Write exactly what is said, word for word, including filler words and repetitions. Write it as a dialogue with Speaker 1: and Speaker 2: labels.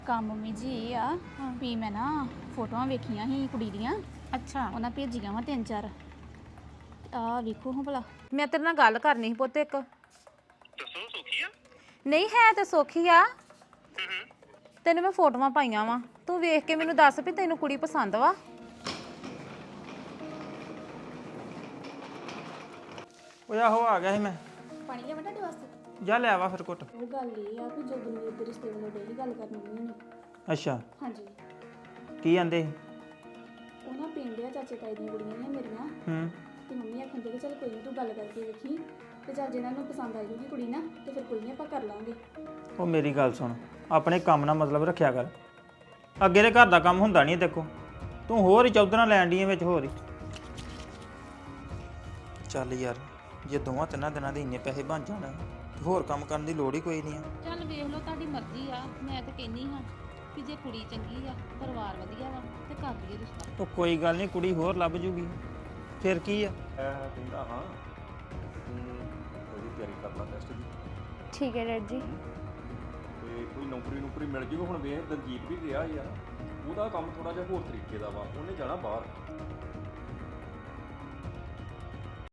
Speaker 1: ਕੰਮ ਮੰਮੀ ਜੀ ਇਹ ਆ ਵੀ ਮੈਂ ਨਾ ਫੋਟੋਆਂ ਵੇਖੀਆਂ ਸੀ ਕੁੜੀ ਦੀਆਂ।
Speaker 2: ਅੱਛਾ
Speaker 1: ਉਹਨਾਂ ਭੇਜੀਆਂ ਵਾ ਤਿੰਨ ਚਾਰ। ਆ ਵੇਖੋ ਹਾਂ ਭਲਾ।
Speaker 2: ਮੈਂ ਤੇਰੇ ਨਾਲ ਗੱਲ ਕਰਨੀ ਸੀ ਪੁੱਤ ਇੱਕ।
Speaker 3: ਦੱਸੋ ਸੌਖੀ ਆ?
Speaker 2: ਨਹੀਂ ਹੈ ਤੇ ਸੌਖੀ ਆ। ਤੈਨੂੰ ਮੈਂ ਫੋਟੋਆਂ ਪਾਈਆਂ ਵਾ, ਤੂੰ ਵੇਖ ਕੇ ਮੈਨੂੰ ਦੱਸ ਵੀ ਤੈਨੂੰ ਕੁੜੀ ਪਸੰਦ ਵਾ।
Speaker 4: ਉਹ ਆਹੋ ਆ ਗਿਆ ਸੀ ਮੈਂ।
Speaker 1: ਪਾਣੀ ਲਿਆਵਾਂ ਤੁਹਾਡੇ ਵਾਸਤੇ?
Speaker 4: ਜਾ ਲੈ ਆਵਾ ਫਿਰ ਘੁੱਟ।
Speaker 1: ਉਹ ਗੱਲ ਇਹ ਆ ਕਿ ਜਦੋਂ ਮੇਰੇ ਦੇ ਰਿਸ਼ਤੇ ਵੱਲੋਂ ਡੇਲੀ ਗੱਲ ਕਰਨੀ ਮੰਮੀ ਨੇ।
Speaker 4: ਅੱਛਾ
Speaker 1: ਹਾਂਜੀ।
Speaker 4: ਕੀ ਆਂਦੇ?
Speaker 1: ਉਹ ਨਾ ਪਿੰਡ ਆ ਚਾਚੇ ਤਾਏ ਦੀਆਂ ਕੁੜੀਆਂ ਨੇ ਮੇਰੀਆਂ
Speaker 4: ਹੂੰ
Speaker 1: ਤੇ ਮੰਮੀ ਆਖਣ ਦੇ ਕਿ ਚੱਲ ਕੋਈ ਨਹੀਂ ਤੂੰ ਗੱਲ ਕਰਕੇ ਵੇਖੀ ਤੇ ਚੱਲ ਜਿਹਨਾਂ ਨੂੰ ਪਸੰਦ ਆ ਜੂਗੀ ਕੁੜੀ ਨਾ ਤੇ ਫਿਰ ਕੋਈ ਨਹੀਂ ਆਪਾਂ ਕਰ ਲਾਂਗੇ।
Speaker 4: ਉਹ ਮੇਰੀ ਗੱਲ ਸੁਣ, ਆਪਣੇ ਕੰਮ ਨਾਲ ਮਤਲਬ ਰੱਖਿਆ ਕਰ। ਅੱਗੇ ਦੇ ਘਰ ਦਾ ਕੰਮ ਹੁੰਦਾ ਨਹੀਂ ਦੇਖੋ, ਤੂੰ ਹੋਰ ਹੀ ਚੌਧਰਾਂ ਲੈਣ ਡੀ ਵਿੱਚ ਹੋਰ ਹੀ। ਚੱਲ ਯਾਰ, ਜੇ ਦੋਵਾਂ ਤਿੰਨਾਂ ਦਿਨਾਂ ਦੇ ਇੰਨੇ ਪੈਸੇ ਬਣ ਜਾਣ ਤੇ ਹੋਰ ਕੰਮ ਕਰਨ ਦੀ ਲੋੜ ਹੀ ਕੋਈ ਨਹੀਂ ਆ।
Speaker 2: ਚੱਲ ਵੇਖ ਲਓ ਤੁਹਾਡੀ ਮਰਜ਼ੀ ਆ, ਮੈਂ ਤਾਂ ਕਹਿੰਦੀ ਹਾਂ ਕਿ ਜੇ ਕੁੜੀ ਚੰਗੀ ਆ, ਪਰਿਵਾਰ ਵਧੀਆ ਵਾ ਤੇ ਕਰ ਲਈਏ ਰਿਸ਼ਤਾ।
Speaker 4: ਉਹ ਕੋਈ ਗੱਲ ਨਹੀਂ, ਕੁੜੀ ਹੋਰ ਲੱਭ ਜੂਗੀ ਫਿਰ ਕੀ ਆ।
Speaker 5: ਮੈਂ ਕਹਿੰਦਾ ਹਾਂ ਤੂੰ ਉਹਦੀ ਤਿਆਰੀ ਕਰ ਲਾ ਟੈਸਟ ਦੀ
Speaker 1: ਠੀਕ ਹੈ ਡੈਡ ਜੀ।
Speaker 5: ਤੇ ਕੋਈ ਨੌਕਰੀ ਨੌਕਰੀ ਮਿਲ ਜੂਗੀ। ਹੁਣ ਵੇਖ ਦਲਜੀਤ ਵੀ ਗਿਆ ਯਾਰ, ਉਹਦਾ ਕੰਮ ਥੋੜਾ ਜਿਹਾ ਹੋਰ ਤਰੀਕੇ ਦਾ ਵਾ। ਉਹਨੇ ਜਾਣਾ ਬਾਹਰ